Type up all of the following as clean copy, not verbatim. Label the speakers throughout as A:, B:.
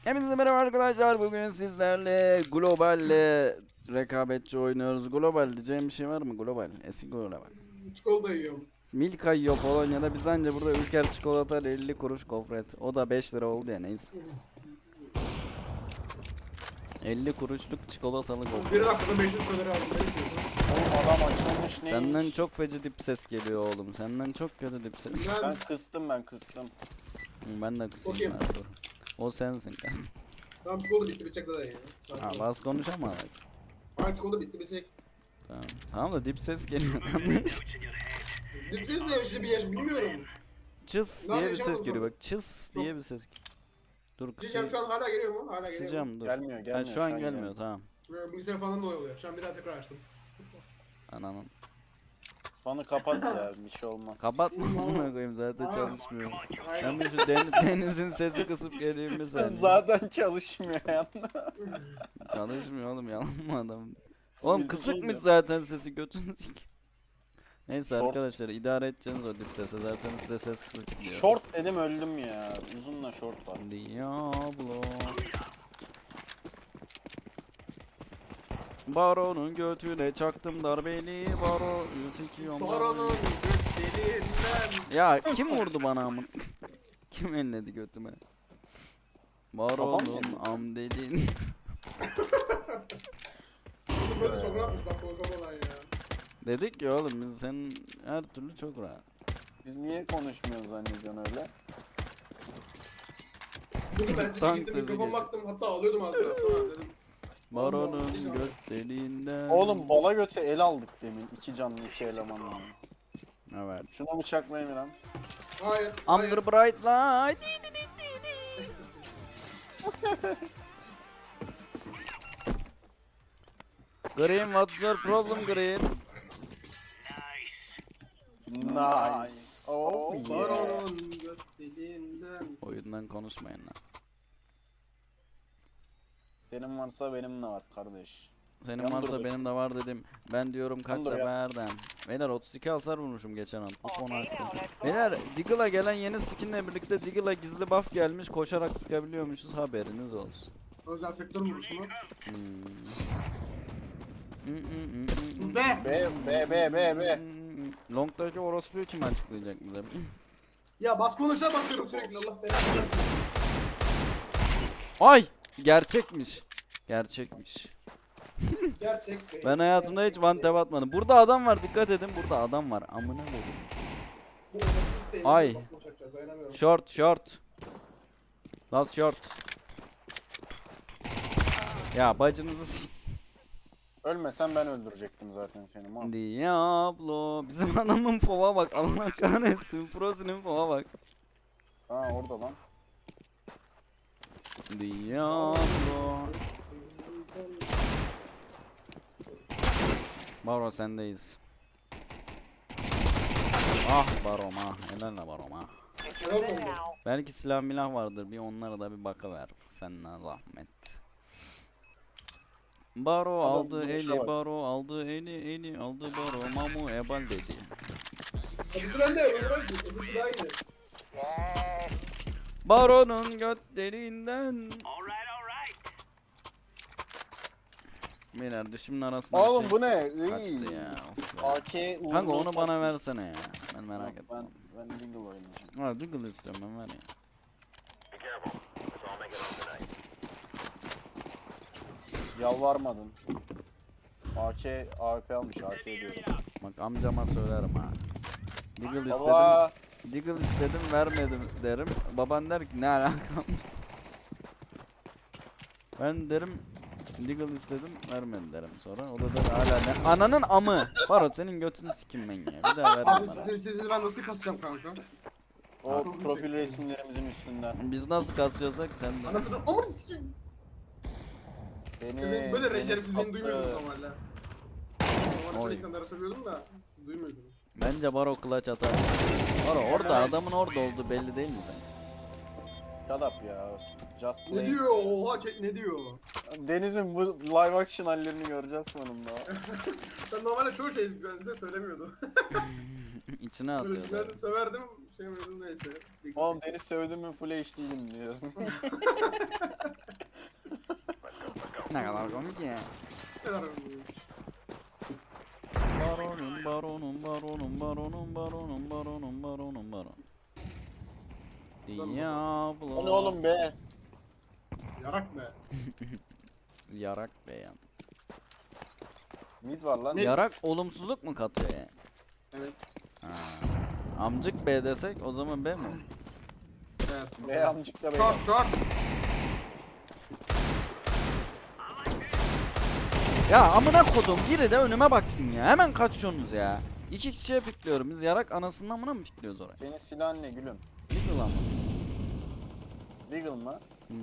A: Hepinize merhaba arkadaşlar. Bugün sizlerle globalle rekabetçi oynuyoruz. Global diyeceğim bir şey var mı? Global. Eski global.
B: Çikolata yiyorum.
A: Milka yiyor Polonya'da. Biz anca burada Ülker çikolata 50 kuruş gofret. O da 5 lira oldu ya neyse. 50 kuruşluk çikolatalı
B: Bir
A: gofret.
B: dakikada 500 kalori aldım. Ne istiyorsunuz?
C: Oğlum adam açılmış neymiş?
A: Senden çok feci dip ses geliyor oğlum. Senden çok kötü dip ses.
C: Ben kıstım.
A: Ben de kısayım
B: Okuyayım.
A: ben dur. O sensin kardeşim.
B: Tamam çikolata bitti bitecek zaten ya.
A: Ha bas konuşamaz.
B: Hayır çikolata bitti bitecek.
A: Tamam. Tamam da dip ses geliyor kardeş.
B: Dipsiz ne işte bir yer bilmiyorum.
A: Çıs
B: Ne
A: diye bir
B: yapacağım
A: ses
B: o
A: geliyor
B: zaman?
A: bak. Çıs diye bir ses. Dur
B: Diyeceğim
A: kısayım.
B: şu an hala geliyor mu? Hala geliyor mu?
A: Kısacağım dur.
C: Gelmiyor
A: Ha, şu an gelmiyor
C: gelmiyor.
A: tamam.
B: Bilgisayar falan da oluyor. Şu an bir daha tekrar açtım.
A: Ananın.
C: Fanı kapat ya bir şey olmaz.
A: Kapatma amına koyayım zaten
B: Aa.
A: çalışmıyor.
B: Aynen.
A: Ben bir şu denizin sesi kısıp geleyim mi sen?
C: Zaten çalışmıyor yani.
A: Çalışmıyor oğlum yalan mı adam? Oğlum
C: Bizi
A: kısıkmış
C: şeydi.
A: zaten sesi götünü sik. Neyse
C: Short.
A: arkadaşlar idare edeceğiniz o dip sese zaten size ses kısık diyor.
C: Short dedim öldüm ya. Uzunla short var.
A: Diablo. Baron'un götüne çaktım darbeli baro sikiyorum
B: Baronun
A: darbeli.
B: götlerinden.
A: Ya kim vurdu bana amın? Kim elledi götüme? Baron'un amdelin.
B: Bunun böyle çok rahatmış bak konuşamadan ya.
A: Dedik ya oğlum biz senin her türlü çok rahat.
C: Biz niye konuşmuyoruz zannediyorsun öyle?
B: Bugün ben size
A: Tank
B: gittim
A: sesi
B: mikrofon
A: geliyor.
B: baktım hatta alıyordum az daha sonra dedim.
A: Baron'un göt deliğinden.
C: Oğlum bala göte el aldık demin. 2 canlı 2 elemanla.
A: Evet.
C: Şuna bıçaklayın lan.
B: Hayır. Hayır.
A: Under bright light. Green, what's your problem Green?
C: Nice. Oh yeah.
B: Baronun götlerinden.
A: Oyundan konuşmayın lan.
C: Senin varsa benim de var kardeş.
A: Senin
C: Yan
A: varsa
C: dur
A: benim de var dedim. Ben diyorum kaç
C: Yan dur ya.
A: seferden. Beyler 32 hasar vurmuşum geçen an. Bu konu hakkında. Beyler Diggle'a gelen yeni skinle birlikte Diggle'a gizli buff gelmiş. Koşarak sıkabiliyormuşuz haberiniz olsun.
B: Özel sektör vuruşu mu?
A: Hmm.
B: Be!
C: B.
A: Long'daki orospuyu kim açıklayacak bize?
B: Ya bas konuşa basıyorum sürekli Allah belanı versin.
A: Ay! Gerçekmiş. Gerçekmiş.
B: Gerçek be.
A: Ben hayatımda hiç one tap atmadım. Burada adam var dikkat edin. Burada adam var. Amına koydum.
B: Bu orospu isteğimiz
A: Ay.
B: bas konuşacağız dayanamıyorum.
A: Short. Last short. Ya bacınızı
C: Ölmesen ben öldürecektim zaten seni. Man.
A: Diablo. Bizim adamın fova bak. Allah kahretsin. Pro'sinin fova bak.
C: Ha orada lan.
A: Diablo. Baro sendeyiz. Ah Barom ah. Helal la Barom ah.
B: Helal olsun.
A: Belki silah milah vardır. Bir onlara da bir bakıver. Seninle zahmet. Baro
C: Adam
A: aldı
C: duruşa
A: eli,
C: bak.
A: Baro aldı eli aldı Baro mamu ebal dedi.
B: Kapısı bende öbür bırak. Kapısı daha iyi.
A: Baron'un götlerinden. Beyler dişimin arasında
C: Oğlum
A: bir
C: bu
A: şey
C: ne?
A: kaçtı ya. Of ya.
C: AK uğurlu
A: Kanka onu
C: olsun.
A: bana versene ya. Ben merak ettim.
C: Ben Dingle oynayacağım.
A: Ha Diggle istiyorum ben ver ya.
C: Yalvarmadın. AK AWP almış AK diyorum.
A: Bak amcama söylerim ha. Diggle
C: Baba.
A: istedim. Diggle istedim vermedim derim. Baban der ki ne alakam? Ben derim Diggle istedim vermedi derim sonra. O da der hala ne? Ananın amı. Baro senin götünü sikim ben ya. Bir daha verme
B: Abi
A: bana.
B: sizi ben nasıl kasacağım kanka?
C: O profil resimlerimizin üstünden.
A: Biz nasıl kasıyorsak sen de.
B: Anasını amır sikeyim. Böyle rejersiz beni duymuyordunuz
C: sattı.
B: normalde. Normalde
A: Oy.
B: böyle insanlara söylüyordum da siz duymuyordunuz.
A: Bence Baro clutch atar. Baro orada adamın orada olduğu belli değil mi sen?
C: Shut up ya. Just
B: Ne
C: play.
B: diyor? Oha ne diyor?
C: Deniz'in bu live action hallerini göreceğiz sonunda.
B: Ben normalde çoğu şey ben size söylemiyordum.
A: İçine
B: Böyle
A: atıyor.
B: sinirlendim severdim. Şey yapıyordum neyse.
C: Oğlum beni sövdün mü full HD'yim diyorsun.
A: Ne kadar komik ya.
B: Ne kadar önemli.
A: Baronum baronum baronum baronum baronum baronum baronum baron. Diablo.
C: O ne oğlum be?
B: Yarak be.
A: Yarak beyan.
C: Mid var lan.
B: Ne?
A: Yarak olumsuzluk mu katıyor yani?
B: Evet.
A: Ha. Amcık B desek o zaman B mi?
B: Evet.
C: B amcık da B.
B: Short short.
A: Ya amına kodum biri de önüme baksın ya. Hemen kaçıyorsunuz ya. İki kişiye pikliyorum. Biz yarak anasının amına mı pikliyoruz oraya?
C: Senin silahın ne gülüm?
A: Bir ulan mı?
C: Deagle mı?
A: Hmm.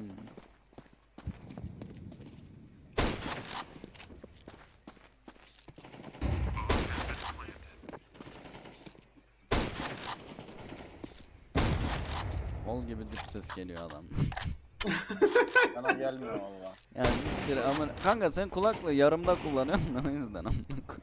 A: Kol gibi dip ses geliyor adam.
C: Bana gelmiyor valla.
A: Yani bir ama kanka sen kulaklığı yarımda kullanıyorsun da o yüzden amına koyayım.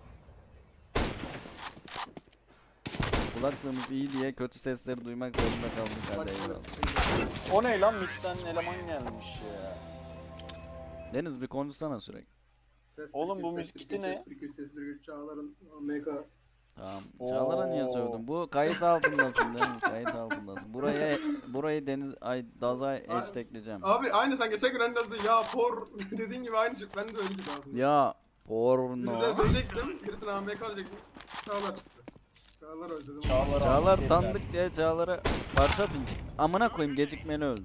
A: Kulaklığımız iyi diye kötü sesleri duymak zorunda kaldık hadi
B: Maçını
C: şey
A: eyvallah.
B: sıkıntı.
C: O ne lan midden eleman gelmiş ya.
A: Deniz bir konuşsana sürekli.
B: Ses
C: Oğlum, bu
B: ses
C: müzik kiti ne?
B: Ses 1 ses 1 Çağlar'ın Omega.
A: Tamam. Çağlar'a niye sövdün? Bu kayıt altındasın değil mi? Kayıt altındasın. Burayı Deniz ay Dazay hashtagleyeceğim.
B: Abi aynı sen geçen gün en azı ya por dediğin gibi aynı şey. Ben de öyle gibi aslında.
A: Ya porno.
B: Birisine söyleyecektim. Birisine AMK alacaktım. Çağlar çıktı. Çağlar özledim.
A: Çağlar
C: dediler.
A: tanıdık diye Çağlar'a parça pincik. Amına koyayım gecikmeli öldü.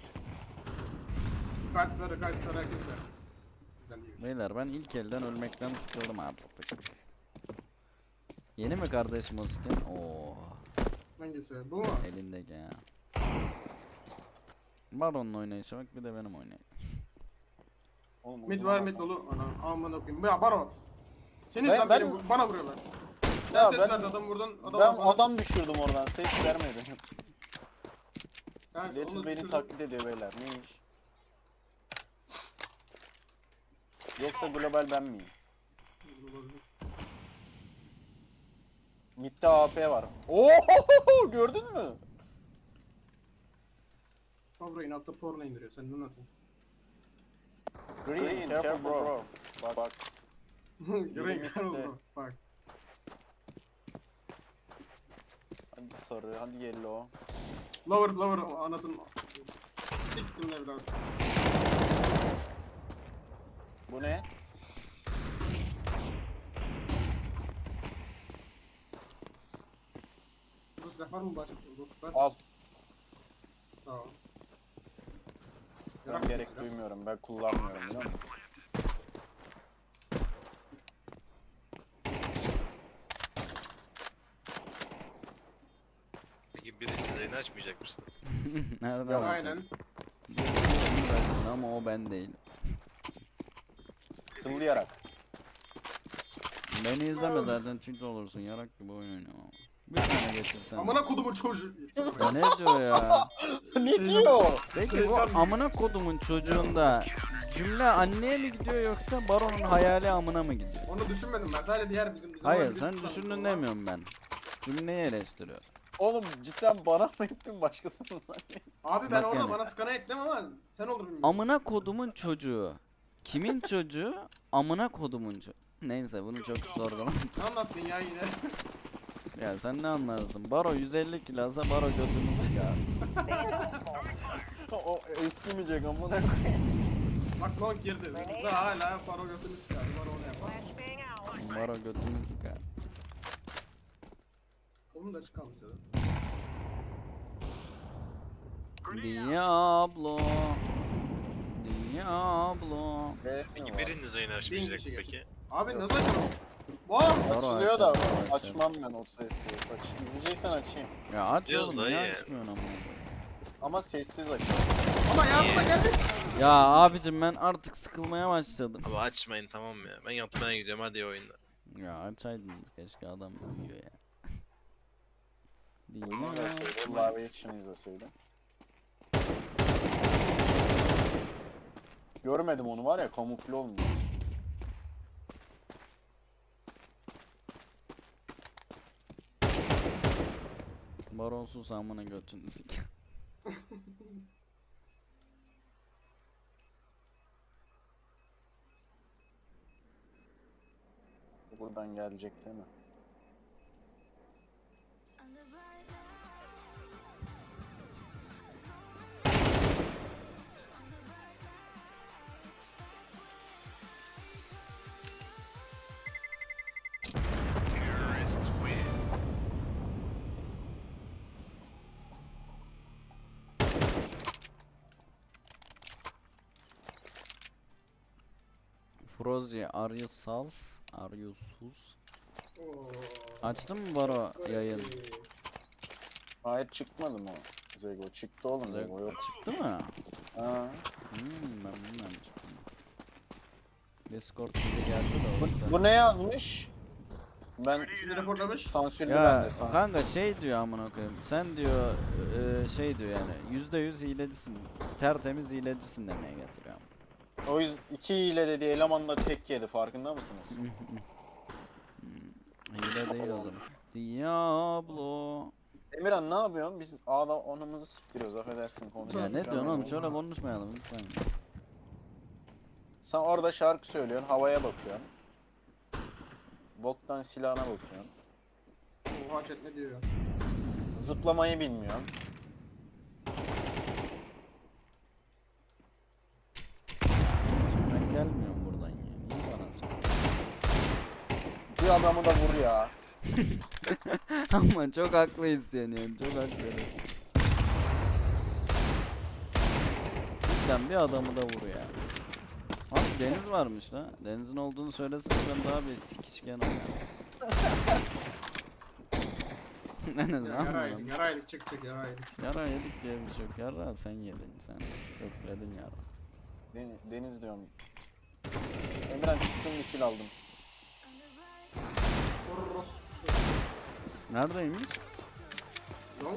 B: Kaç sarı herkes sarı. Güzel değil.
A: Beyler ben ilk elden ölmekten sıkıldım artık. Yeni mi kardeşim o skin? Oo,
B: Hangisi? Bu mu?
A: elindeki ya. Baron'la oynayışa bak bir de benim oynayayım.
C: Oğlum,
B: Mid
C: uzun
B: var
C: adam.
B: mid dolu. Ana aman okuyayım. Ya Baron. Senin
C: Ben-
B: sen
C: ben-
B: benim bana vuruyorlar. Sen
C: Ya
B: ses
C: ben-
B: verdi adam vurdun.
C: Ben
B: bana-
C: adam düşürdüm oradan. Ses vermedi.
B: Sen
C: Deniz
B: onu
C: beni
B: düşürdün.
C: taklit ediyor beyler. Ne iş? Yoksa global ben miyim?
B: Olabilir.
C: Mid'de AP var. Oo gördün mü?
B: Favre inatla porno indiriyor. Sen ne anlatıyorsun?
C: Green, careful bro. Bak.
B: Green
C: Mid'de.
B: Carol bro. Fuck.
C: Hadi sarı, hadi yellow.
B: Lower anasını siktim evlat.
C: Bu ne?
B: Burada silah var mı başka dostlar?
C: Al.
B: Tamam.
C: Ben
B: Yarak
C: gerek
B: silah.
C: duymuyorum. Ben kullanmıyorum biliyor musun?
D: Peki birinci yayını açmayacak mısınız?
A: Nereden?
C: Yok,
B: Aynen.
A: Bilmiyorum ama o ben değilim.
C: Kıllayarak.
A: Beni izleme zaten çünkü olursun yarak gibi oyun oynuyor. Bir tane geçirsen.
B: Amına kodumun çocuğu.
A: Ya ne diyor ya?
C: Ne diyor?
A: Peki bu amına kodumun çocuğunda cümle anneye mi gidiyor yoksa baronun hayali amına mı gidiyor?
B: Onu düşünmedim ben. Sadece diğer bizim
A: Hayır
B: birisi
A: sen
B: sandım.
A: düşündün demiyorum ben. Cümleyi eleştiriyor.
C: Oğlum cidden bana mı ettin başkasına mı?
B: Abi ben
A: Bak
B: orada
A: yani.
B: bana skana ettim ama sen olur bilmiyorum.
A: Amına kodumun çocuğu. Kimin çocuğu? Amına kodumun çocuğu. Neyse bunu çok sorgulama.
B: Ne anlattın ya yine?
A: Ya sen ne anlarsın? Baro 150 kilasa baro götümüzü ya.
C: O eskimeyecek amına koyayım.
B: Bak long girdi. Daha hala paro götünü sıkardı. Baro onu yapar.
A: Baro götümüzü ya.
B: Onun da çıkalmış ya.
A: Diablo. Diablo.
D: Peki biriniz yayını açmayacak
B: kişi
D: peki?
B: Abi nasıl açalım? Wow!
A: Baro
C: Açılıyor da
A: açacağım, baro
C: açmam ben o safe'yi. İzleyeceksen açayım.
A: Ya aç
D: Diyoruz
A: oğlum
D: da
A: niye
D: ya.
A: açmıyorsun ama?
C: Ama sessiz aç.
B: Ama yardıma gelmesin.
A: Ya abicim ben artık sıkılmaya başladım.
D: Abi açmayın tamam mı ya? Ben yatmaya gidiyorum hadi iyi oyunlar.
A: Ya açaydınız keşke adam uyuyor ya. Değil
C: Bunu
A: mi?
C: verseydi, live action izleseydim. Görmedim onu var ya, kamufle olmuş.
A: Baronsuz amına götünü sik.
C: Buradan gelecek değil mi?
A: Frozi, are you sus? Are you sus?
B: Oo.
A: Açtın mı Baro yayın?
C: Hayır çıkmadı mı o? Zego çıktı oğlum Zego yok.
A: Çıktı mı?
C: Ha.
A: Ben bilmem çıktı. Discord bize geldi de o yüzden.
C: Bu ne yazmış? Ben
B: Şimdi raporlamış.
C: sansürlü
A: Ya
C: bende sansür.
A: kanka şey diyor amına koyayım. Sen diyor şey diyor yani %100 hilecisin. Tertemiz hilecisin demeye getiriyor.
C: O yüzden 2 hile dediği elemanla tek yedi farkında mısınız?
A: Hile değil o zaman. Diablo.
C: Emirhan ne yapıyorsun? Biz A'da onumuzu siktiriyoruz affedersin
A: Ya
C: konuşuyoruz.
A: ne diyorsun oğlum? Şöyle konuşmayalım lütfen.
C: Sen orada şarkı söylüyorsun, havaya bakıyorsun. Boktan silahına bakıyorsun.
B: Oha chat ne diyor?
C: Zıplamayı bilmiyorsun.
A: Şimdi ben gelmiyorum buradan ya. Niye bana söylüyorsun?
C: Bir adamı da vur ya.
A: Ama çok haklıyız yani. Çok haklı. Cidden bir adamı da vur ya. Abi deniz varmış la. Denizin olduğunu söylesene ben daha bir sikişken oynarım. Deniz ne
B: Yaraydık,
A: anladın?
B: yaraydık, çık yaraydık.
A: Yara yedik diye bir şey yok. Yara sen yedin sen. Kökledin yara.
C: Deniz diyorum. Emirhan çıktım bir kill aldım.
B: Orospu.
A: Neredeymiş?
B: Long.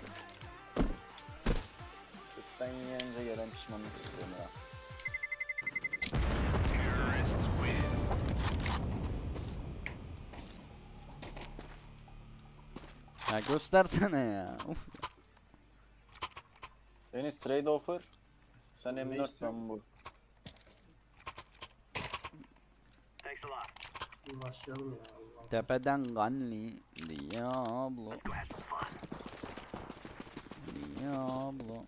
C: Ben yenince gelen pişmanlık hissi Emirhan.
A: Ya göstersene ya. Uf.
C: Deniz trade offer. Sen
B: Ne
C: M4
B: istiyorsun?
C: ben bu.
B: Başlayalım ya Allah.
A: Tepeden Ganli. Diablo. Diablo.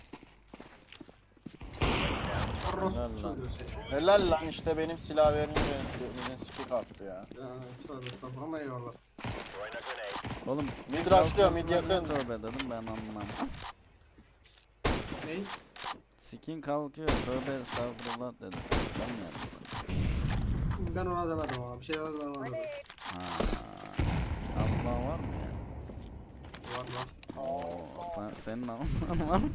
B: Orospu
A: Helal lan.
B: çocuğu seni.
C: Helal lan işte benim silah verince bizim skip attı ya.
B: Ya tövbe estağfurullah eyvallah.
A: Oğlum
C: Mid rushlıyor, mid
A: kalkmasına
C: yakın.
A: ne tövbe dedim ben anlamam.
B: Ney?
A: Skin kalkıyor tövbe estağfurullah dedim. Ben mi yaptım?
B: Ben ona demedim ama bir şeyler ben ona demedim.
A: Ha. Allah var mı ya?
B: Var var.
A: Oo, senin Allah'ın var mı?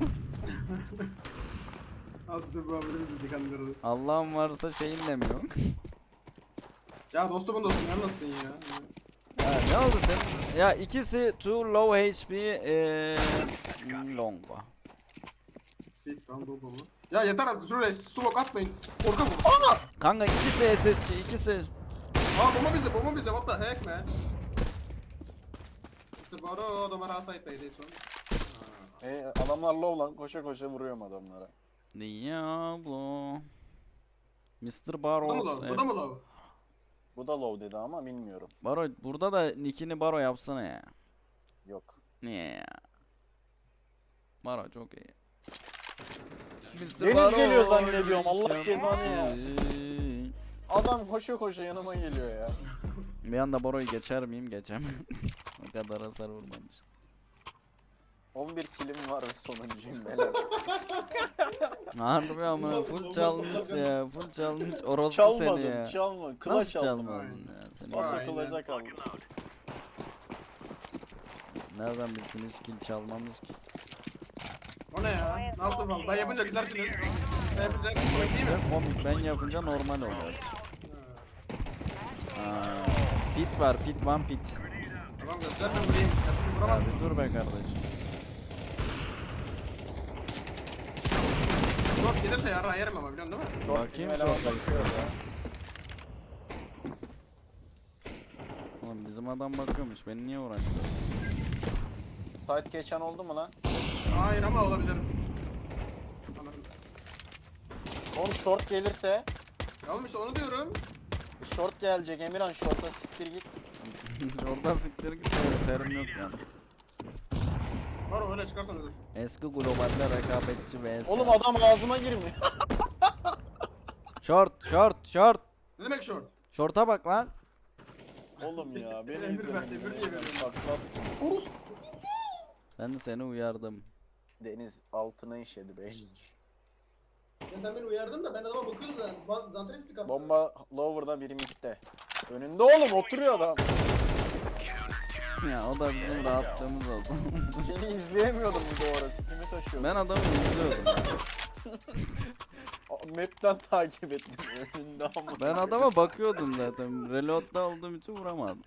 B: Azıcık bu abinin bizi kandırdı.
A: Allah'ın varsa şeyin de mi yok?
B: Ya dostumun dostum ne anlattın ya?
A: Ha, ne oldu senin? Ya ikisi too low HP long var.
B: Sik ben doldu mu? Ya yeter artık şuraya smoke atmayın. Korkak bu. Aa!
A: Kanka ikisi SSC ikisi.
B: Aa bomba bizde what the heck man? Mr. Baro adamlar A-Site'daydı son.
C: Adamlar low lan koşa koşa vuruyorum adamlara.
A: Diablo. Mr.
B: Bu da mı
A: Barros.
B: low? Bu da mı low?
C: Bu da low dedi ama bilmiyorum.
A: Baro burada da nickini Baro yapsana ya.
C: Yok.
A: Niye ya? Baro çok iyi. Mr.
C: Deniz geliyor
A: Barros
C: zannediyorum, Allah cezanı ya.
A: şampiyon.
C: Adam koşa koşa yanıma geliyor ya.
A: Bir anda Boro'yu geçer miyim? Geçemem. O kadar hasar vurmamış.
C: 11 kilim var ve sonuncuyum beyler.
A: Harbi ama full çalmış ya. Full çalmış. Orospu seni ya.
C: Çalma. Kıla
A: Nasıl
C: çalma.
A: çalmadın ya? Seni
B: Vay.
C: Nasıl kılacak aldım.
A: nereden bilsin hiç kill çalmamış ki?
B: O ne ya? Ne yaptın falan? Ben yapınca gidersiniz. Ben yapınca komik değil mi?
A: Ve komik ben yapınca normal oluyor. Pit var, pit one pit.
B: Tamam göster ben vurayım. Sen bunu vuramazsın.
A: Abi dur be kardeşim.
B: Short gelirse yarrağı yerim ama biliyorsun değil mi?
A: Bakayım
C: Bizim
A: çok
C: eleman
A: da
C: bakıyor ya.
A: Oğlum bizim adam bakıyormuş. Beni niye uğraştı?
C: Site geçen oldu mu lan?
B: Hayır ama olabilir. Anladım.
C: Oğlum short gelirse
B: Ya oğlum işte onu diyorum.
C: short gelecek Emirhan short'a siktir git.
A: Oradan siktir git. Terim yok yani.
B: Var öyle çıkarsan ölürsün.
A: Eski globalde rekabetçi vs.
C: Oğlum adam ağzıma girmiyor.
A: Short.
B: Ne demek short?
A: Short'a bak lan.
C: Oğlum ya beni
B: Emir ver,
C: izlemedin.
B: emir diye veriyorum.
C: Patlat.
B: Orus.
A: Ben de seni uyardım.
C: Deniz altına işedi 5.
B: Ya sen beni uyardın da ben adama bakıyordum zaten. Zanteres pick up.
C: Bomba lower'da biri midde. Önünde oğlum oturuyor adam.
A: Ya o da bizim rahatlığımız oldu.
C: Seni izleyemiyordum bu ara. Sikimi taşıyordum.
A: Ben adamı izliyordum ya.
C: Map'ten takip ettim. Önünde ama.
A: Ben adama bakıyordum zaten. Reload'da olduğum için vuramadım.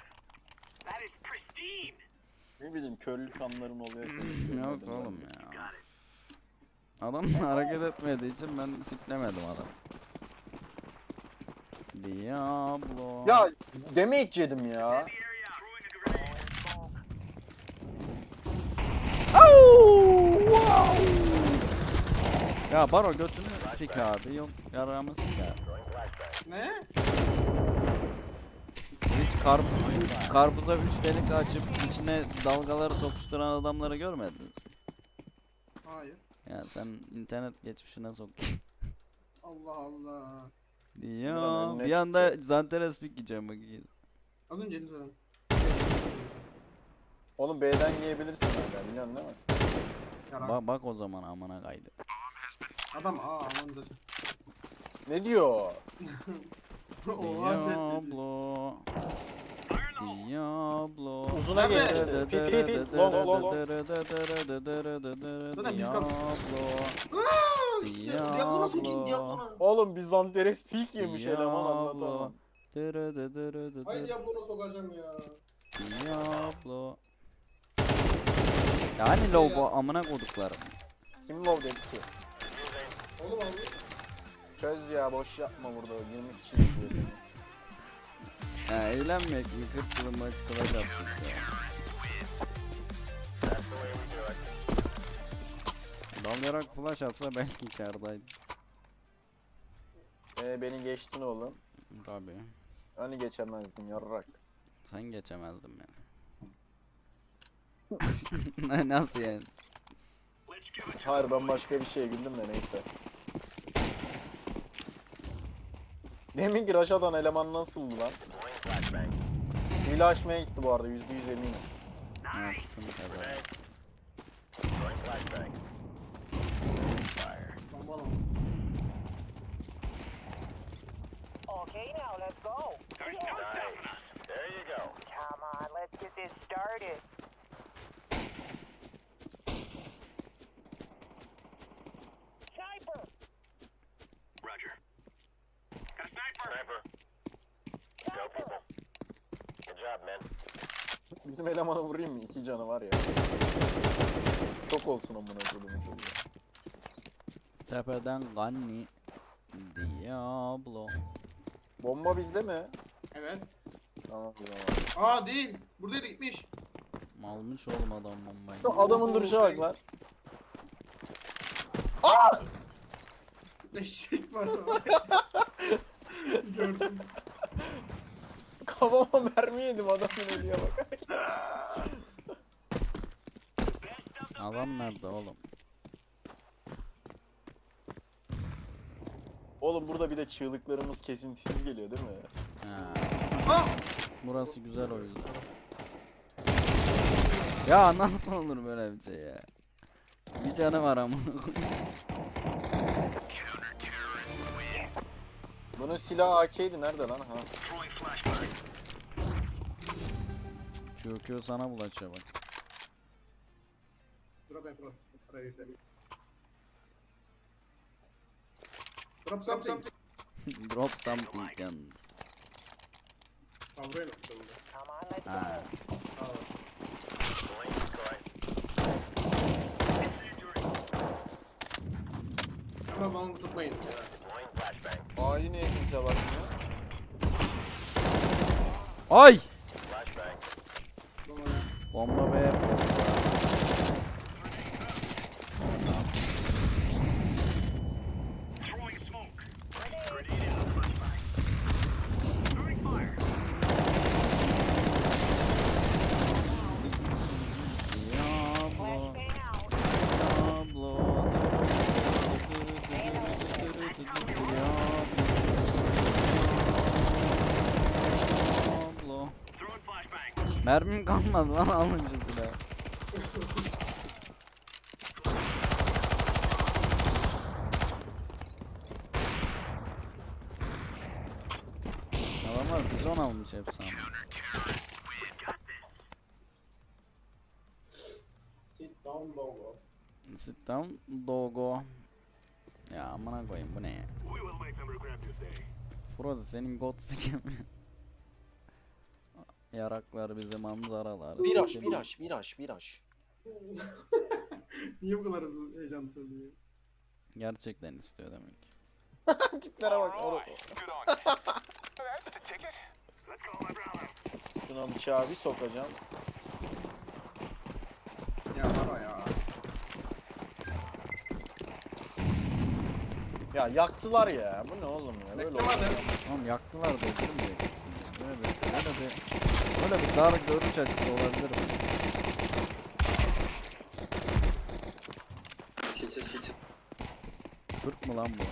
C: Ne bileyim körlük anlarım oluyor senin.
A: Yok oğlum ya. Adam hareket etmediği için ben siklemedim adam. Diablo.
C: Ya damage yedim ya.
A: Au! Wow! Ya Baro götünü sik abi. Yok yaramı sik abi.
B: Ne?
A: Hiç karpuza 3 delik açıp içine dalgaları sokuşturan adamları görmediniz.
B: Hayır.
A: Ya sen internet geçmişine sok.
B: Allah Allah.
A: Ya
C: önüne
A: bir anda Zanteres pick yiyeceğim bak.
B: Az önce elini söyledim.
C: Oğlum B'den yiyebilirsin hala biliyorsun değil mi?
B: Yarak.
A: Bak o zaman amına kaydı.
B: Adam aman zaten.
C: Ne diyor?
B: Oha chat.
A: Diablo. Diablo.
C: Uzuna geçti. Pit. Lo.
B: Zaten biz kaldık.
A: Diablo.
B: Diablo'na sokayım Diablo'na.
C: Oğlum biz Zanteres peak yemiş eleman
A: Diablo.
C: anlatamam.
B: Hayır Diablo'na sokacağım ya.
A: Diablo. Ya hani low bu amına koduklarım.
C: Kim love dedi ki?
B: Oğlum abi.
C: Çöz ya boş yapma burada 20 kişi izliyor seni.
A: Ha eğlenmek mi? 40 yılın maçı kılacak ya. Dalayarak flash atsa belki kârdaydı.
C: Beni geçtin oğlum.
A: Tabii.
C: Hani geçemezdin yarrak.
A: Sen geçemezdin beni. Nasıl yani?
C: Hayır ben başka bir şeye güldüm de neyse. Deminki Raşadan eleman nasıldı lan? Hile açmaya gitti bu arada %100 eminim.
A: Nasılsın kadar?
B: Bomba lan.
E: Okay, now let's go.
F: There you go.
E: Come on, let's get this started. Sniper!
F: Roger. Got a sniper. Go people. Good job, man.
C: Bizim elemanı vurayım mı? 2 canı var ya. Çok olsun amına koyduğum çocuğa.
A: Tepeden Ganni. Diablo.
C: Bomba bizde mi?
B: Evet.
C: Tamam o zaman.
B: Aa değil. Buradaydı gitmiş.
A: Almış oğlum adam bombayı.
C: Şu adamın duruşa bak lan.
B: Eşek var. Gördüm.
C: Kafama mermi yedim adamın eliye bak.
A: Adam nerede oğlum?
C: Oğlum burada bir de çığlıklarımız kesintisiz geliyor değil mi?
A: Ha,
B: Ah!
A: burası güzel o yüzden. Ya nasıl olur böyle bir şey ya? Bir canı var ama.
C: Bunun silahı AK'ydi nerede lan? Ha.
A: Çöküyor sana bulaşıyor bak.
B: Drop and flash. Drop something.
A: Drop something yalnız.
B: Buraya mı?
E: Come on, let's
A: Ha.
E: go.
B: Ama bana tutmayın.
C: A'yı niye kimse bakmıyor?
A: Ay!
B: Bomba.
A: Bomba be. Mermim kalmadı lan alın şu silahı. Adamlar bizon almış hepsi ama.
B: Sit down logo.
A: Sit down dogo. Ya amına koyayım bu ne ya? Frozen senin god sikim. Yaraklar bize manzaralar.
C: Viraj.
B: Niye bu kadar hızlı heyecan söylüyor?
A: Gerçekten istiyor demek.
C: Tiplere bak. Şuna bıçağı bir sokacağım.
B: Ya var o ya.
C: Ya yaktılar ya. Bu ne oğlum ya? Böyle
B: Bekleme
C: olmaz.
B: de.
A: Oğlum yaktılar da öldürüm diyeceksin. Böyle bir dar görüş açısı olabilir mi? Türk mü lan bu?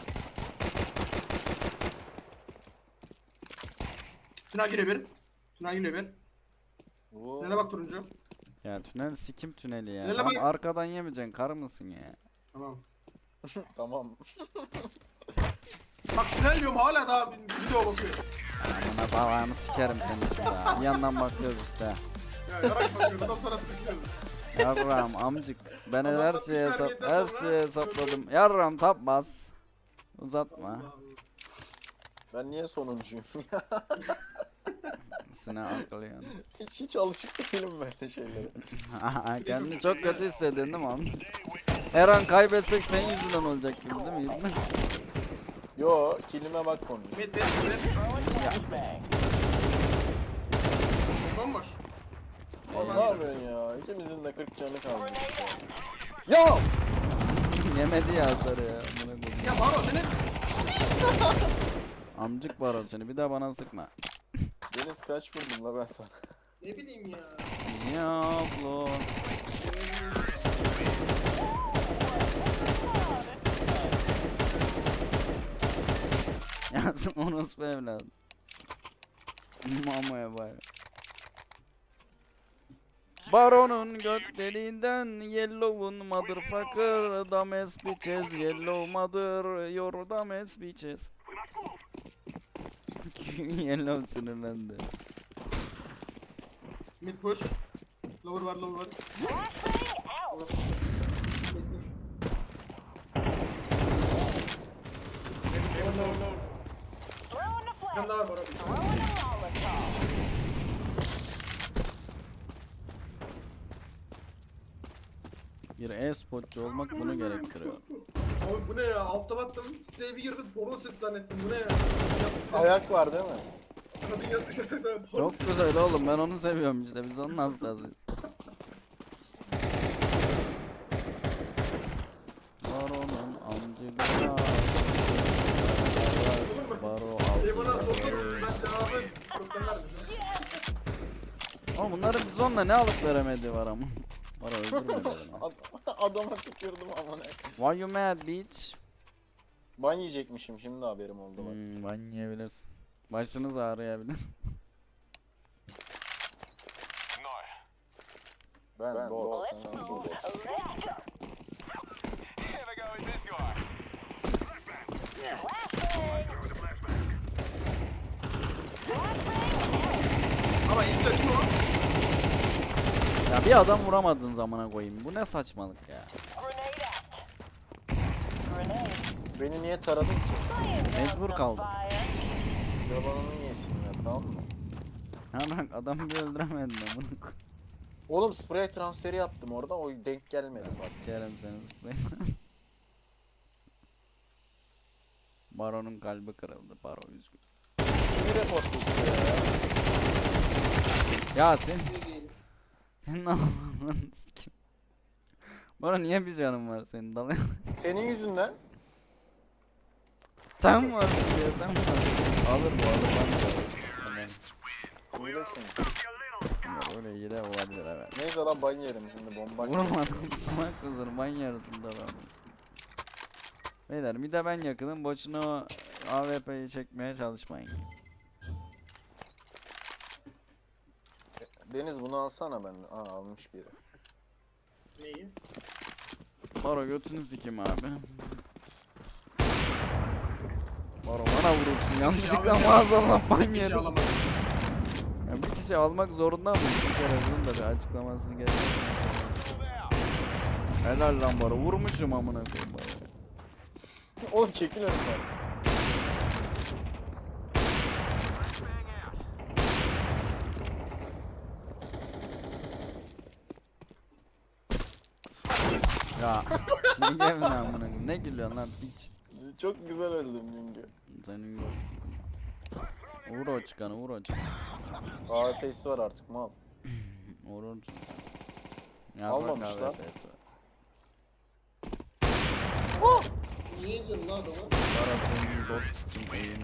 B: Tünel geliyor bir. Tünel geliyor bir.
C: Bu-
B: Tünele bak turuncu.
A: Ya tünel sikim tüneli ya.
B: Tünele
A: Lan
B: bak.
A: arkadan yemeyeceksin karı mısın ya?
B: Tamam.
C: Tamam.
B: Bak tünel diyorum hala daha video bakıyor.
A: Amına babanı sikerim seni şimdi ha. Bir yandan bakıyoruz işte.
B: Ya yarak bakıyor. Ondan sonra sıkıyor.
A: Yarram amcık. Ben her
B: Adamlar
A: şeye
B: bir terbiyeden
A: her
B: sonra-
A: şeye hesapladım. Yarram tapmaz. Uzatma.
C: Ben niye sonuncuyum?
A: Sine akıl yani.
C: hiç alışık değilim böyle şeylere.
A: Kendini çok kötü hissediyorsun değil mi amca? Her an kaybetsek senin yüzünden olacak gibi değil mi?
C: Yo, kilime bak konuş.
B: Mid. Bomboş.
C: Oğlum ne yapıyorsun ya? İkimizin de 40 canı kalmış. Ya!
A: Yemedi ya atarı ya. Amına koyayım.
B: Ya Baro senin.
A: Amcık var o seni. Bir daha bana sıkma.
C: Deniz kaç vurdum la ben sana?
B: Ne bileyim ya.
A: Diablo. Yazım orospu evladım. Mamaya bay. Baron'un göt deliğinden Yellow'un motherfucker Dames bitches Yellow mother Your dames bitches. Yellow sinirlendi.
B: Mid push. Lower var. Orası push. Mid push.
E: Throwing the
B: Bir tane
E: flag.
B: daha var Baro.
E: Throwing a Molotov.
A: Bir e-sportçu olmak bunu gerektiriyor.
B: Abi bu ne ya? Altta baktım. Siteye bir girdim. Porno sesi zannettim. Bu ne ya?
C: Ayak var değil mi?
B: Kadın yatmış yatakta.
A: Çok güzel oğlum ben onu seviyorum işte biz onun hastasıyız. Baron'un amcığı Baro
B: Bana
A: aldı.
B: sordu. Ben cevabı Discord'dan verdim.
A: Ama bunların bizonla ne alıp veremediği var ama. Baro öldürmedi beni.
C: Adama tükürdüm ama ne?
A: Why you mad bitch?
C: Ban yiyecekmişim şimdi haberim oldu bak.
A: Ben yiyebilirsin. Başınız ağrıyabilir.
C: Ben doğru.
E: Let's
C: Sensin
E: go.
C: doğru.
E: Let's go.
B: Ama izle kim o?
A: Ya bir adam vuramadığın zamana koyayım. Bu ne saçmalık ya.
E: Grenade out. Grenade.
C: Beni niye taradın ki?
A: Mecbur kaldım.
E: Fire.
C: Yalanını yesinler tamam mı?
A: Ha bak adamı bir öldüremedin amına koy.
C: Oğlum sprey transferi yaptım orada o denk gelmedi bak.
A: Sikerim seni zıplayamaz. Baron'un kalbi kırıldı. Baro üzgün.
C: Kimi report tutuyor ya?
A: Ya sen... Senin Allah'ını sikim. Baro niye bir canın var senin dalıyor?
C: Senin yüzünden.
A: Sen varsın diye sen varsın. Alır bu alır ben de alırım.
C: Hile çünkü.
A: Ya böyle hile olabilir evet.
C: Neyse lan ban yerim şimdi bomba.
A: Vuramadım salak kızını ban yarısında ben. Beyler bir de ben yakınım boşuna o AWP'yi çekmeye çalışmayın.
C: Deniz bunu alsana ben. Aa almış biri.
B: Neyi?
A: Baro götünü sikeyim abi. Baro bana vurursun yanlışlıkla maazallah ban
B: Bir kişi
A: yedim.
B: alamadım.
A: Ya bir kişi almak zorunda mı? Bir kere bunun da bir açıklamasını getir. Helal lan Baro vurmuşum amına koyayım Baro.
C: Oğlum çekil önümden.
A: Ya ne gelin amına koyayım ne gülüyorsun lan piç.
C: Çok güzel öldüm çünkü.
A: Senin görsün. Vur o çıkanı vur o çıkanı.
C: AWP'si var artık mal.
A: Vur.
C: Almamışlar.
B: Niye izledin lan adamı?
A: Para senin bot için eğini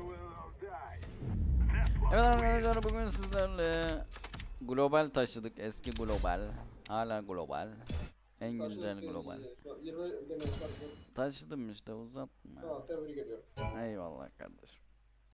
A: Evet arkadaşlar bugün sizlerle global taşıdık eski global. Hala global. En güzel global.
B: 20 demeyi fark
A: Taşıdım işte uzatma.
B: Tamam tebrik ediyorum.
A: Eyvallah kardeşim.